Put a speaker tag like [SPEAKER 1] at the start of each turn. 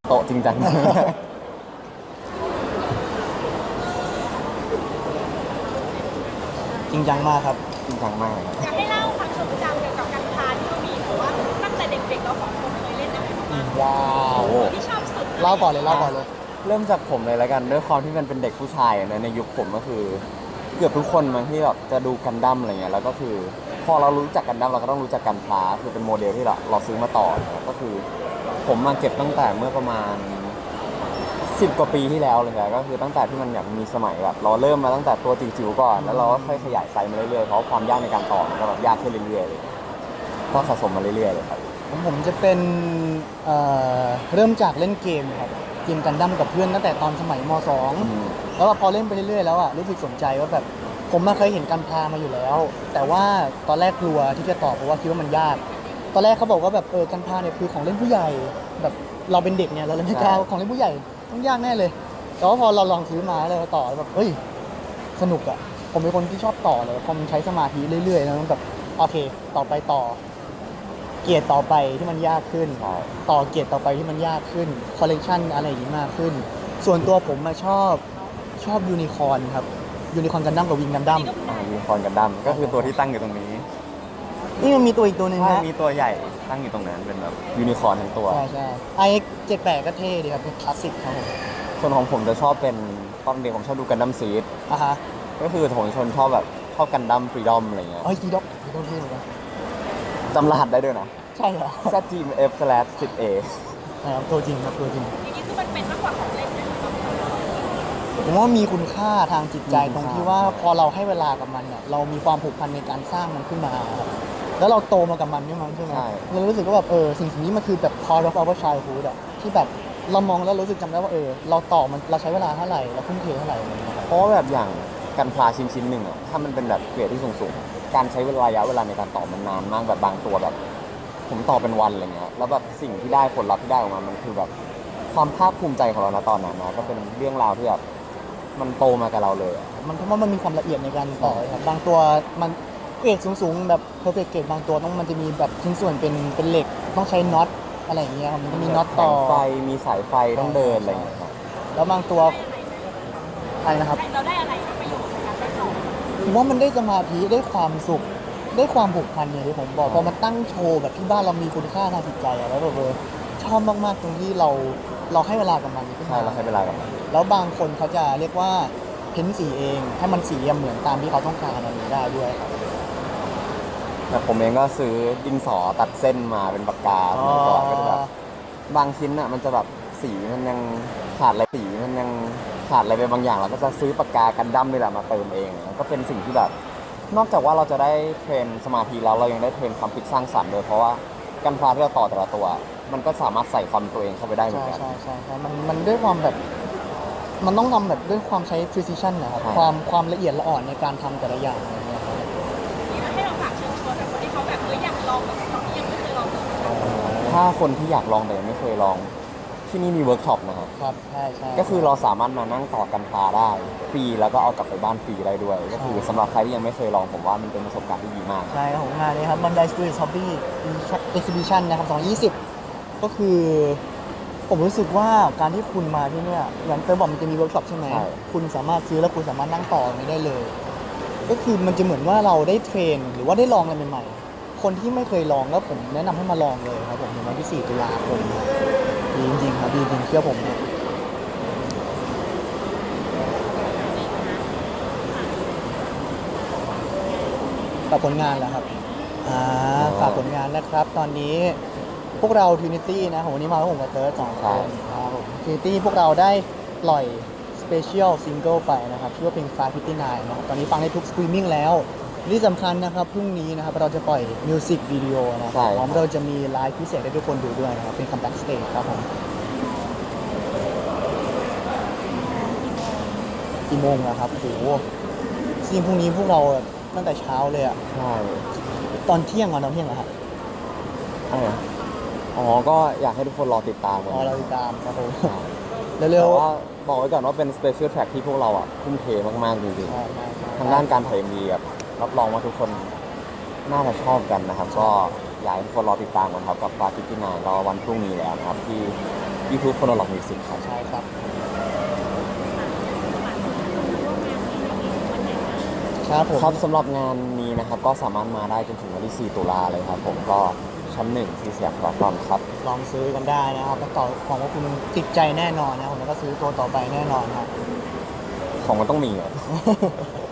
[SPEAKER 1] โต๊ะจริงจัง
[SPEAKER 2] จริงจังมากครับ
[SPEAKER 1] จริงจังมากครับ
[SPEAKER 3] อยากให้เล่าความทรงจำเกี่ยวกับการพาที่เรามีหรือว่าตั้งแต่เด็กๆเราสองคนเคยเล่นอะไรบ้าง
[SPEAKER 2] ว้าว
[SPEAKER 3] ที่ชอบสุด
[SPEAKER 2] เล่าก่อนเลยเล่าก่อนเลย
[SPEAKER 1] เริ่มจากผมเลยแล้วกันด้วยความที่มันเป็นเด็กผู้ชายในยุคผมก็คือเกือบทุกคนมันที่แบบจะดูกันดั้มอะไรเงี้ยแล้วก็คือพอเรารู้จักกันดั้มเราก็ต้องรู้จักกันพลาคือเป็นโมเดลที่เราซื้อมาต่อก็คือผมมาเก็บตั้งแต่เมื่อประมาณ10 กว่าปีที่แล้วเลยครับก็คือตั้งแต่ที่มันแบบมีสมัยแบบเราเริ่มมาตั้งแต่ตัวจิ๋วๆก่อนแล้วเราก็ค่อยขยายไซส์มาเรื่อยๆเพราะความยากในการต่อมันก็แบบยากขึ้นเรื่อยๆเลยก็สะสมมาเรื่อยๆเลยครับ
[SPEAKER 2] ผมจะเป็นเริ่มจากเล่นเกมครับเกมกันดั้มกับเพื่อนตั้งแต่ตอนสมัยม .2 แล้วพอเล่นไปเรื่อยๆแล้วอ่ะรู้สึกสนใจว่าแบบผมมาเคยเห็นการพามาอยู่แล้ว แต่ว่าตอนแรกกลัวที่จะต่อเพราะว่าคิดว่ามันยากตอนแรกเขาบอกว่าแบบการพาเนี่ยคือของเล่นผู้ใหญ่แบบเราเป็นเด็กเนี่ยเราเลยไม่กล้าของเล่นผู้ใหญ่ต้องยากแน่เลยแต่ว่าพอเราลองซื้อมาแล้วต่อแบบเฮ้ยสนุกอ่ะผมเป็นคนที่ชอบต่อเลยพอมันใช้สมาธิเรื่อยๆแล้วแบบโอเคต่อไปต่อเกียร์ต่อไปที่มันยากขึ้นต่อเกียร์ต่อไปที่มันยากขึ้นคอลเลกชันอะไรอย่างนี้มากขึ้นส่วนตัวผมมาชอบยูนิคอร์นครับยูนิคอร์นกันดั้มกับวิงกันดั้ม
[SPEAKER 1] ยูนิคอร์นกันดั้มก็คือตัวที่ตั้งอยู่ตรงนี้
[SPEAKER 2] นี่มันมีตัวอีกตัวหนึ่งนะ
[SPEAKER 1] มีตัวใหญ่ตั้งอยู่ตรงนั้นเป็นแบบยูนิคอร์นทั้งตัว
[SPEAKER 2] ใช่IX78ก็เท่ดีครับเป็นคลาสสิกครับผม
[SPEAKER 1] ส่วนของผมจะชอบเป็นตอนเด็กผมชอบดูกันดั้มซีด
[SPEAKER 2] ฮะ
[SPEAKER 1] ก็คือผมชอบแบบชอบกันดั้มฟรีดอมอะไรเงี้ย
[SPEAKER 2] ฟรีดอมเท่เหมือนกัน
[SPEAKER 1] จำรหัสได้ด้วยนะ
[SPEAKER 2] ใช่เหรอ
[SPEAKER 1] ZGMF/10A
[SPEAKER 2] นะครับตัวจริงครับตัวจริง
[SPEAKER 3] อย่างนี้คือมันเป็นมากกว่าของเล่นนะ
[SPEAKER 2] ผมว่ามีคุณค่าทางจิตใจตรงที่ว่าพอเราให้เวลากับมันเนี่ยเรามีความผูกพันในการสร้างมันขึ้นมาแล้วเราโตมากับมันใช่ไหมเรารู้สึกว่าแบบสิ่งนี้มันคือแบบ part of our childhood อะที่แบบเรามองแล้วรู้สึกจำได้ว่าเราต่อมันเราใช้เวลาเท่าไหร่เราทุ่มเทเท่าไหร่อะไรอย่างเงี้ย
[SPEAKER 1] เพราะว่าแบบอย่างกันพลาชิ้นหนึ่งอะถ้ามันเป็นแบบเกรดที่สูงการใช้ระยะเวลาในการต่อมันนานมากแบบบางตัวแบบผมต่อเป็นวันอะไรเงี้ยแล้วแบบสิ่งที่ได้ผลลัพธ์ที่ได้ออกมามันคือแบบความภาคภูมิใจของเราณตอนนั้นนะก็เป็นเรื่องราวที่แบบมันโตมากับเราเลย
[SPEAKER 2] มันเพราะว่ามันมีความละเอียดในการต่อครับบางตัวมันเกรดสูงๆแบบ perfect เกรดบางตัวต้องมันจะมีแบบชิ้นส่วนเป็นเหล็กต้องใช้น็อตอะไรอย่างเงี้ยครับมันจะมีน็อตต่อ
[SPEAKER 1] ไฟมีสายไฟต้องเดินอะไรอย่างเงี้ย
[SPEAKER 2] แล้วบางตัวอะไรนะครับ
[SPEAKER 3] เราได้อะไรประโยชน์จากการได้ต่อ
[SPEAKER 2] ผมว่ามันได้สมาธิได้ความสุขได้ความผูกพันอย่างที่ผมบอกพอมันตั้งโชว์แบบที่บ้านเรามีคุณค่าทางจิตใจแล้วแบบชอบมากๆตรงที่เราให้เวลากับมัน
[SPEAKER 1] ใช่เราให้เวลากับมัน
[SPEAKER 2] แล้วบางคนเขาจะเรียกว่าเพ้นสีเองให้มันสีเหมือนตามที่เขาต้องการอะไรนี้ได้ด้วยครับ
[SPEAKER 1] แต่ผมเองก็ซื้อดินสอตัดเส้นมาเป็นปากกาเมื่อก่อนก็จะแบบบางชิ้นอ่ะมันจะแบบสีมันยังขาดอะไรไปบางอย่างเราก็จะซื้อปากกากันดั้มนี่แหละมาเติมเองก็เป็นสิ่งที่แบบนอกจากว่าเราจะได้เทรนสมาธิแล้วเรายังได้เทรนความคิดสร้างสรรค์ด้วยเพราะว่ากันพลาที่เราต่อแต่ละตัวมันก็สามารถใส่ความตัวเองเข้าไปได้เหมือนกัน
[SPEAKER 2] ใช่มันด้วยความแบบมันต้องทำแบบด้วยความใช้ precision นะครับความละเอียดละอ่อนในการทำแต่ละอย่างอะไรเงี้ยครับ
[SPEAKER 3] ให้เราฝากเชิญชวนแบบคนที่เขาแบบอยากลองแบบตอนนี้ยังไม่เคยลองเลย
[SPEAKER 1] ถ้าคนที่อยากลองแต่ยังไม่เคยลองที่นี่มีเวิร์กช็อปนะครับ
[SPEAKER 2] ครับใช่
[SPEAKER 1] ก็คือเราสามารถมานั่งต่อกันพาได้ฟรีแล้วก็เอากลับไปบ้านฟรีได้ด้วยก็คือสำหรับใครที่ยังไม่เคยลองผมว่ามันเป็นประสบการณ์ที่ดีมาก
[SPEAKER 2] ใช่ของงานนี้ครับ Bandai Studios Hobby Exhibition นะครับ2020ก็คือผมรู้สึกว่าการที่คุณมาที่เนี่ยอย่างเตอร์บอกมันจะมีเวิร์กช็อปใช่ไหมคุณสามารถซื้อแล้วคุณสามารถนั่งต่อไม่ได้เลยก็คือมันจะเหมือนว่าเราได้เทรนหรือว่าได้ลองอะไรใหม่ๆคนที่ไม่เคยลองก็ผมแนะนำให้มาลองเลยครับผมในวันที่4 ตุลาคมดีจริงๆครับดีจริงเชื่อผมฝากผลงานแล้วครับฝากผลงานนะครับตอนนี้พวกเรา Trinity นะวันนี้มาแล้วผมกับเติร์ด2 คนครับผม Trinity พวกเราได้ปล่อย Special Single ไปนะครับชื่อว่าเพลง559นะครับตอนนี้ฟังได้ทุกสตรีมมิ่งแล้วที่สำคัญนะครับพรุ่งนี้นะครับเราจะปล่อยมิวสิกวิดีโอนะครับพร้อมเราจะมีไลฟ์พิเศษให้ทุกคนดูด้วยนะครับเป็นคัมแบ็กสเตจครับผมกี่โมงแล้วครับโหซีนพรุ่งนี้พวกเราตั้งแต่เช้าเลยอ่ะ
[SPEAKER 1] ใช่
[SPEAKER 2] ตอนเที่ยงเหรอครับ
[SPEAKER 1] ก็อยากให้ทุกคนรอติดตามกัน
[SPEAKER 2] รอติดตามครับผม
[SPEAKER 1] เร็วๆว่าบอกไว้ก่อนว่าเป็น Special Track ที่พวกเราทุ่มเทมากๆจริงๆทางด้านการถ่ายมีแบบรับรองว่าทุกคนน่าจะชอบกันนะครับก็อยากให้ทุกคนรอติดตามกันครับกับฟาติกินายรอวันพรุ่งนี้แล้วนะครับที่ YouTube โฟโนล็อกมิวสิกครับ
[SPEAKER 2] ใช่ครับครับผม
[SPEAKER 1] ครับสำหรับงานนี้นะครับก็สามารถมาได้จนถึงวันที่ 4 ตุลาเลยครับผมก็ชั้น 1 ที่สยามพารากอนครับ
[SPEAKER 2] ลองซื้อกันได้นะครับแล้วต่อของว่าคุณติดใจแน่นอนนะครับผมแล้วก็ซื้อตัวต่อไปแน่นอนครับ
[SPEAKER 1] ของมันต้องมีเหรอ